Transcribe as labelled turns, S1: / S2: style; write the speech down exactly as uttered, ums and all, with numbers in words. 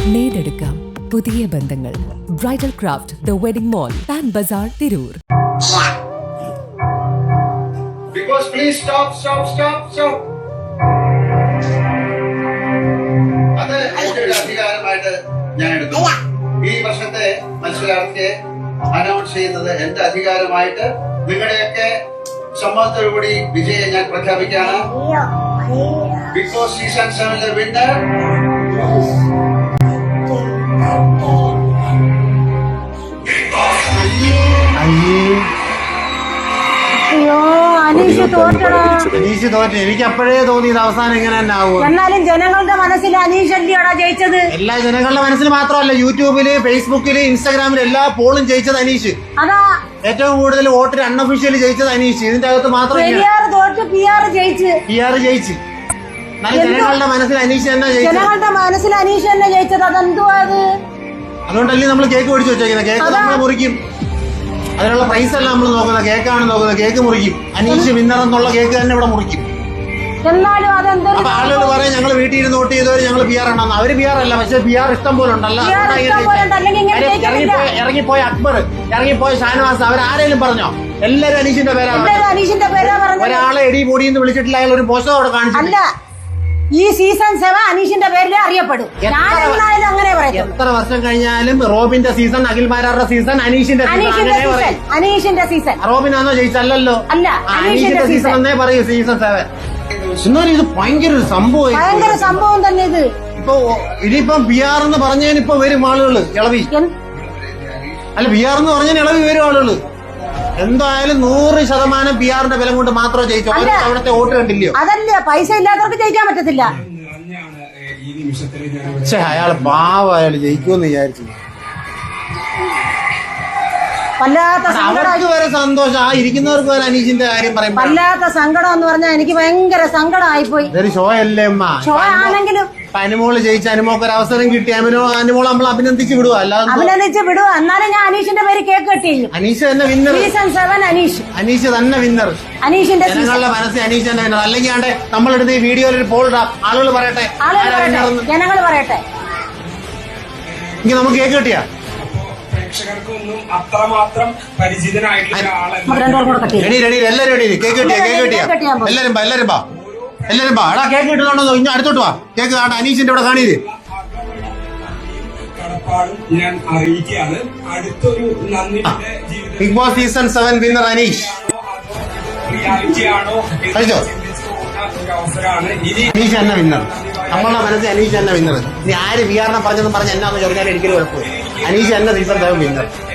S1: നേടെടുക്കാം പുതിയ ബന്ധങ്ങൾ. Bridal craft the wedding mall, Pan Bazaar, Tirur.
S2: Because please stop, stop, stop, stop. അത് എന്റെ ഒരു അധികാരമായിട്ട് ഞാൻ എടുക്കുന്നു. ഈ വർഷത്തെ മത്സരാർത്ഥിയെ അനൗൺസ് ചെയ്യുന്നത് എന്റെ അധികാരമായിട്ട് നിങ്ങളുടെയൊക്കെ സമ്മതത്തോടുകൂടി വിജയം ഞാൻ പ്രഖ്യാപിക്കുകയാണ്. ബിഗ് ബോസ് സീസൺ സെവനിലെ വിന്നർ
S3: അയ്യോ അനീഷ് തോറ്റടാ.
S4: അനീഷ് തോറ്റ. എനിക്ക് അപ്പോഴേ തോന്നിയത് അവസാനം ഇങ്ങനെ തന്നെ ആവുക.
S3: എന്നാലും ജനങ്ങളുടെ മനസ്സിൽ അനീഷ് അല്ലയോടാ ജയിച്ചത്.
S4: എല്ലാ ജനങ്ങളുടെ മനസ്സിൽ മാത്രമല്ല, യൂട്യൂബില്, ഫേസ്ബുക്കില്, ഇൻസ്റ്റാഗ്രാമില് എല്ലാ പോളും ജയിച്ചത് അനീഷ്.
S3: അതാ
S4: ഏറ്റവും കൂടുതൽ വോട്ടിൽ അൺഒഫീഷ്യലി ജയിച്ചത് അനീഷ്. ഇതിന്റെ അകത്ത് മാത്രം
S3: തോറ്റ് പി ആർ ജയിച്ച്
S4: പി ആർ ജയിച്ച് ജനങ്ങളുടെ മനസ്സിൽ അനീഷ് തന്നെ ജയിച്ചത്.
S3: ജനങ്ങളുടെ മനസ്സിൽ അനീഷ് തന്നെ ജയിച്ചത്. അതെന്തുവാ അത്?
S4: അതുകൊണ്ടല്ലേ നമ്മൾ കേക്ക് മേടിച്ചു വെച്ചേക്കുന്നത്. കേക്ക് നമ്മൾ മുറിക്കും. അതിനുള്ള പ്രൈസ് അല്ല നമ്മൾ നോക്കുന്നത്, കേക്കാണ് നോക്കുന്നത്. കേക്ക് മുറിക്കും. അനീഷ് വിന്നർ എന്നുള്ള കേക്ക് തന്നെ ഇവിടെ മുറിക്കും.
S3: എന്നാലും അതെന്താ
S4: അപ്പൊ ആളുകൾ പറയാം ഞങ്ങൾ വീട്ടിൽ ഇരുന്ന് വോട്ട് ചെയ്തവർ ഞങ്ങൾ പി ആർ ആണെന്ന്. അവര് പി ആർ അല്ല, പക്ഷെ പി ആർ ഇഷ്ടം പോലെ ഉണ്ടല്ലോ. ഇറങ്ങിപ്പോയ അക്ബർ, ഇറങ്ങിപ്പോയ ഷാനവാസ്, അവരാരേലും പറഞ്ഞോ? എല്ലാരും അനീഷിന്റെ പേരാണ്.
S3: അനീഷിന്റെ പേരാ പറഞ്ഞത്.
S4: ഒരാളെ എടി പൊടി എന്ന് വിളിച്ചിട്ടില്ല. അയാൾ ഒരു പോസ്റ്റർ അവിടെ കാണിച്ചില്ല.
S3: ഈ സീസൺ സെവൻ അനീഷിന്റെ പേരിൽ അറിയപ്പെടും. അങ്ങനെ പറയും.
S4: എത്ര വർഷം കഴിഞ്ഞാലും റോബിന്റെ സീസൺ, അഖിൽ മാരാറുടെ സീസൺ, അനീഷിന്റെ
S3: സീസൺ അനീഷിന്റെ സീസൺ.
S4: റോബിനാണോ ജയിച്ചല്ലോ?
S3: അല്ല,
S4: അനീഷിന്റെ സീസൺ എന്നേ പറയൂ. സീസൺ സെവൻ എന്നാലും ഇത് ഭയങ്കര ഒരു സംഭവം.
S3: ഭയങ്കര സംഭവം തന്നെ ഇത്.
S4: ഇപ്പൊ ഇനിയിപ്പം ബി ആർ എന്ന് പറഞ്ഞതിന് ഇപ്പൊ വരും ആളുകള് ഇളവി. അല്ല, ബി ആർ എന്ന് പറഞ്ഞതിന് ഇളവി വരും ആളുകള്. എന്തായാലും നൂറ് ശതമാനം പി ആറിന്റെ ബലം കൊണ്ട് മാത്രമേ ജയിച്ചു. അവിടുത്തെ വോട്ട് കണ്ടില്ലയോ?
S3: അതല്ല, പൈസ ഇല്ലാത്തവർക്ക് ജയിക്കാൻ പറ്റത്തില്ല.
S4: പക്ഷെ അയാള് പാവ, അയാൾ ജയിക്കുമെന്ന് വിചാരിച്ചു.
S3: വല്ലാത്ത
S4: അവർക്ക് വരെ സന്തോഷം, ആ ഇരിക്കുന്നവർക്ക് വരെ അനീഷിന്റെ കാര്യം പറയുമ്പോ
S3: വല്ലാത്ത സങ്കടം എന്ന് പറഞ്ഞാൽ എനിക്ക് ഭയങ്കര സങ്കടമായി പോയി.
S4: ഇതൊരു ഷോ അല്ലേ അമ്മ?
S3: ഷോ ആണെങ്കിലും
S4: അനുമോള് ജയിച്ച അനുമോക്ക് ഒരു അവസരം കിട്ടി. അനുമോ അനുമോൾ നമ്മൾ അഭിനന്ദിച്ച് വിടുക, അല്ലാതെ
S3: അഭിനന്ദിച്ച് വിടുക. എന്നാലും ഞാൻ അനീഷിന്റെ പേര് കേക്ക് കെട്ടി.
S4: അനീഷ് തന്നെ winner.
S3: Season seven Aneesh
S4: Aneesh തന്നെ വിന്നർ.
S3: അനീഷിന്റെ
S4: ജനങ്ങളുടെ മനസ്സിൽ അനീഷ് തന്നെ വിന്നർ. അല്ലെങ്കിൽ ആണ്ടെ നമ്മളെടുത്ത് ഈ വീഡിയോയിൽ ഒരു പോൾ ഇടാം. ആളുകൾ പറയട്ടെ,
S3: ജനങ്ങൾ പറയട്ടെ.
S4: ഇനി നമുക്ക് കേക്ക് കിട്ടിയാ
S5: പ്രേക്ഷകർക്കൊന്നും അത്രമാത്രം പരിചിതനായിട്ടുള്ള ആളല്ല.
S4: റെഡി റെഡി എല്ലാരും റെഡി. കേക്ക് കിട്ടിയാ കേക്ക് കിട്ടിയാ എല്ലാരും ബാ എല്ലാരും ബാ എല്ലാരും ബാ. എടാ കേക്ക് കിട്ടുന്നുണ്ടോ? ഇനി അടുത്തോട്ട് വാ. കേക്ക് ആട്ടെ അനീഷിന്റെ ഇവിടെ കാണീര്.
S5: കടപ്പാടും ഞാൻ അറിയിക്കുകയാണ്. അടുത്തൊരു നന്ദിയുടെ ജീവിതം
S4: big boss season seven winner Aneesh.
S5: Reality ആണോ
S4: കഴിച്ചോ?
S5: ഒരു അവസരമാണ്. ഇനി
S4: അനീഷ് തന്നെ വിന്നർ. നമ്മളുടെ മനസ്സിൽ അനീഷ് തന്നെ വിന്നർ. ഇനി ആര് വിആറിനെ പറഞ്ഞെന്ന് പറഞ്ഞ എന്നാന്ന് ചോദിച്ചാൽ എനിക്കൊരു കുഴപ്പമില്ല. അനീഷ് തന്നെ സീസൺ സെവൻ വിന്നർ.